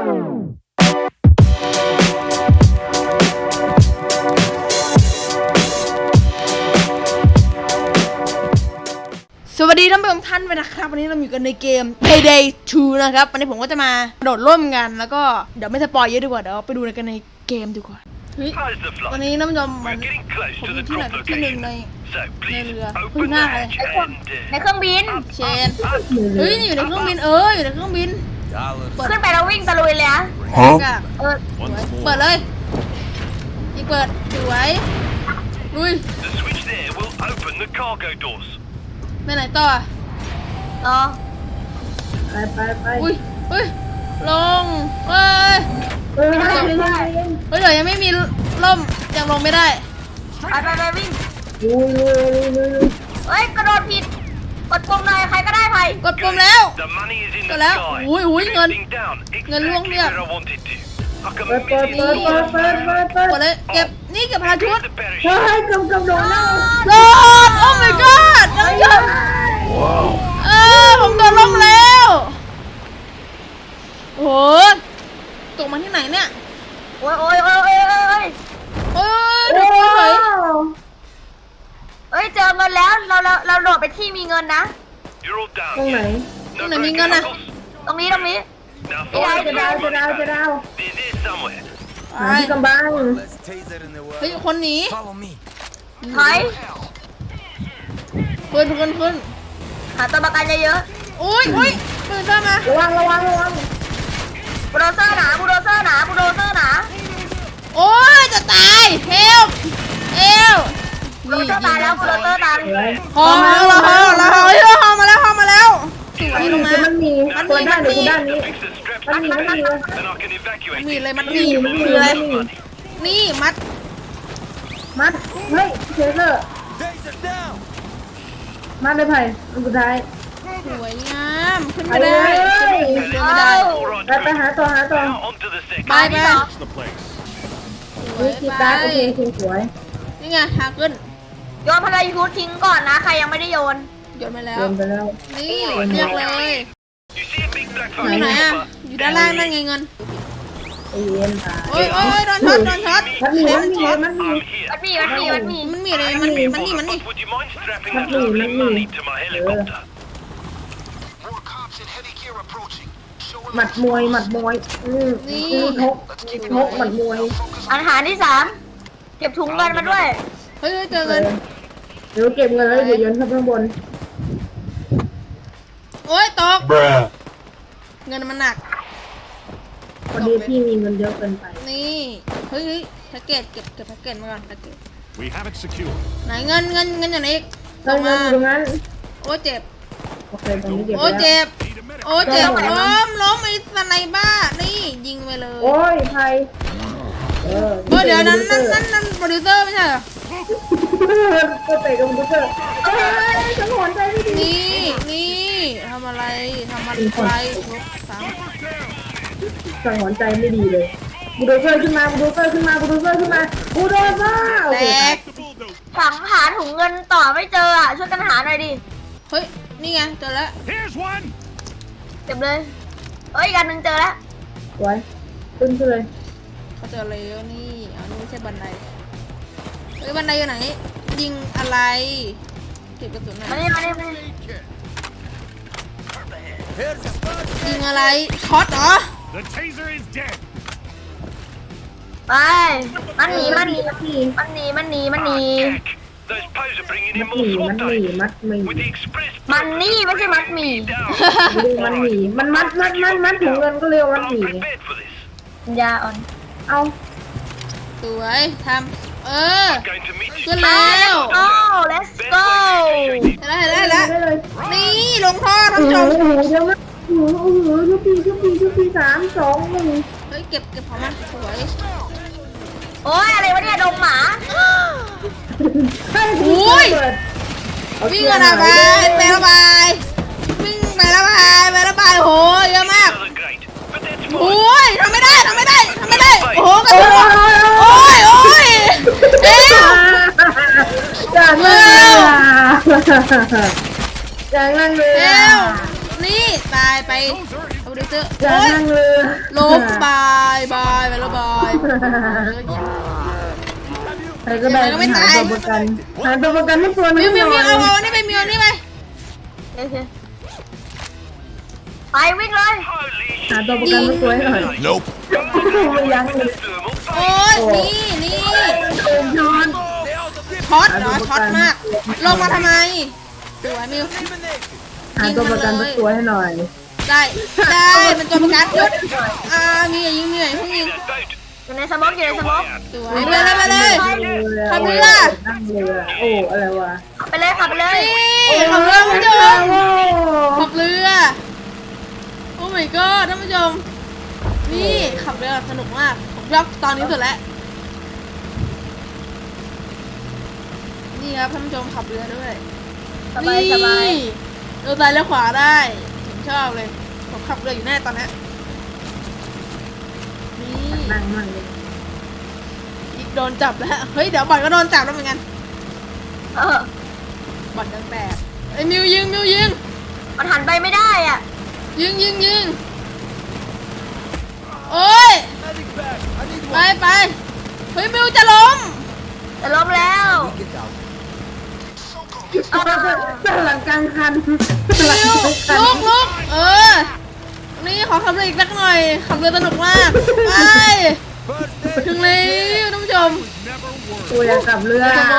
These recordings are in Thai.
สวัสดีท่านผู้ชมท่านไปนะครับวันนี้เราอยู่กันในเกม Payday 2 นะครับวันนี้ผมก็จะมาโดดร่วมกันแล้วก็เดี๋ยวไม่สปอยเยอะดีกว่าเดี๋ยวไปดูกันในเกมดีกว่าวันนี้ท่านผู้ชมผมอยู่ที่ไหนที่หนึ่งในเรือคุณหน้าอะไรในเครื่องบินเชนเฮ้ยอยู่ในเครื่องบินอยู่ในเครื่องบินขึ้นไปแล้ววิ่งตะลุยเลยอะเปิดเลยอีกเปิดสวยลุยไปไหนต่อไปอุ้ยลงเดี๋ยวยังไม่มีล่มยังลงไม่ได้ไปวิ่งเฮ้ยกระโดดผิดกดปุ่มหน่อยใครก็ได้ไผ่กดปุ่มแล้วอุ้ยเงินล่วงเรียบเปิดเลยเก็บนี่เก็บพาชุดเฮ้ยกำโดดแล้วโดดโอ้ my god ผมโดดลงแล้วโอ้ตกมาที่ไหนเนี่ยโอ้ยโดดเฉยเฮ้ยเจอเงินแล้วเราโดดไปที่มีเงินนะตรงไหนมีเงินนะตรงนี้จะดาวที่กำบังเฮ้ยคนหนีถอยขึ้นหาตัวประกันเยอะๆอุ้ยปืนเข้ามาระวังบูโดเซอร์หนาโอ้ยจะตายเฮลบูโดเซอร์ตายแล้วบูโดเซอร์ตายฮอมาแล้วสวยลงมามันมีตัวด้านนี้มันมีอะไรคืออะไรนี่มัดเฮ้ยเชเซอร์มัดเลยไผ่อันสุดท้ายสวยงามขึ้นไม่ได้ไปหาตัวไปคีย์การ์ดโอเคสวยนี่ไงหาขึ้นโยนพลายุททิ้งก่อนนะใครยังไม่ได้โยนไปแล้วนี่เรียกเลยอยู่ไหนอ่ะอยู่ด้านล่างนั่นไงเงินโอ้ยโดนช็อตมันมีอะไรหมัดมวยนี่ทกหมัดมวยอาหารที่3เก็บถุงเงินมาด้วยเฮ้ยเจอเงินเดี๋ยวเก็บเงินแล้วเดี๋ยวโยนข้างบนโอ้ยตกเงินมันหนักพอดีพี่มีเงินเยอะเกินไปนี่เฮ้ยแพ็กเกจเก็บแพ็กเกจมาก่อนแพ็กเกจไหนเงินอยู่ไหนตรงนั้นโอ้เจ็บโอเคตรงนี้เก็บเจ็บล้มไอ้สไนบ้านี่ยิงไปเลยโอ้ยใครเดี๋ยวนั้นโปรดิวเซอร์ไม่ใช่เหรอก็เตะกับโปรดิวเซอร์ฉันหอนใจไม่ดีนี่ทำอะไรทุบซ้ำสังหรณ์ใจไม่ดีเลยบูโดเซอร์ขึ้นมาแตกฝังหาถุงเงินต่อไม่เจอช่วยกันหาหน่อยดิเฮ้ยนี่ไงเจอแล้วเก็บเลยอีกอันนึงเจอแล้วไว้ขึ้นเลยเขาเจออะไรนี่นี่ไม่ใช่บันไดบันไดอยู่ไหนยิงอะไรเก็บกระสุนหน่อยมานี่ยิงอะไรช็อตเหรอไปมันหนีมัดหมีมันหนีมัดหมีมันนี่ไม่ใช่มัดหมีมันมัดถุงเงินก็เร็วมัดหมียาอ่อนเอาสวยทำขึ้นแล้ว let's go เห็นแล้วนี่ลงท่อท่านผู้ชมเดี๋ยวนะยุปี3 2 1 เฮ้ยเก็บของมันสวยโอ้ยอะไรวะเนี่ยดงหมาอุ้ยวิ่งกันไประบายวิ่งไประบายโหเยอะมากโอ้ยทำไม่ได้โอ้โหกระโดดโอ้ยจากนั่งเลยนี่ตายไปโปรดิวเซอร์จากนั่งเลยล้มไปใครก็ได้หาตัวประกันหาตัวประกันให้ตัวนึมิงวหมิวน่มิอวย เอานี่ไปมิวนี่ไปโอเคไปวิ่งเลยหาตัวประกันให้ตัวให้หน่อย Nope. ไม่ยั้งเลยโอ้ยนี่ย้อนช็อตเหรอช็อตมากลงมาทำไมสวยมิวหาตัวประกันให้ตัวให้หน่อยได้เป็นตัวประกันยุดมีอย่ายิงมีอย่ายิงยิงอยู่ในสมองอยู่ในสมองสวยไปเลย ขับเรือนั่งเรือโอ้อะไรวะขับไปเลยขับไปเลยนี่ขับเรือคุณผู้ชมขับเรือโอ้ my god ท่านผู้ชมนี่ขับเรือสนุกมากผมชอบตอนนี้สุดแล้วนี่ครับท่านผู้ชมขับเรือด้วยสบายสบายเลี้ยวซ้ายเลี้ยวขวาได้ผมชอบเลยผมขับเรืออยู่แน่ตอนนี้นี่นั่งมั่งเลยอีกโดนจับแล้วเฮ้ยเดี๋ยวบอลก็โดนจับแล้วเหมือนกันเออบอลตั้งแต่ไอ้มิวยิงมันหันไปไม่ได้อ่ะยิงโอ้ยไปเฮ้ยมิวจะล้มจะล้มแล้วหลังกลางคันมิวลุกนี่ขอขับเรืออีกสักหน่อยขับเรือสนุกมากไปถึงแล้วท่านผู้ชมกูอยากกลับเรือนี่ครับ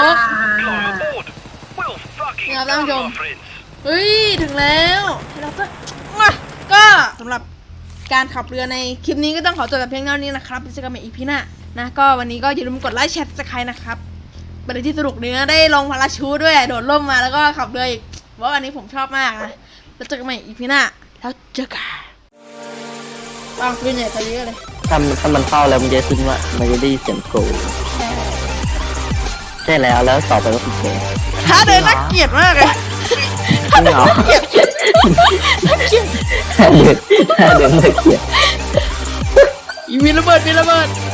ท่านผู้ชมเฮ้ยถึงแล้วเราก็สำหรับการขับเรือในคลิปนี้ก็ต้องขอจบแต่เพียงเท่านี้นะครับเจอกันใหม่อีพีหน้านะก็วันนี้ก็อย่าลืมกดไลค์แชร์สไครต์นะครับเป็นอะไรที่สนุกเนื้อได้ลงพาราชูทด้วยโดดร่มมาแล้วก็ขับเรืออีกว่าอันนี้ผมชอบมากนะแล้วเจอกันใหม่อีพีหน้าแล้วเจอกันปืนใหญ่ไปเยอะเลยถ้ามันเข้าแล้วมันจะขึ้นว่ามันจะได้ยินเสียงโกรธใช่แล้วต่อไปก็คือเกมท้าเดินน่าเกลียดมากเลยไม่เหรอถ้าเดินไม่เกลียดมีระเบิด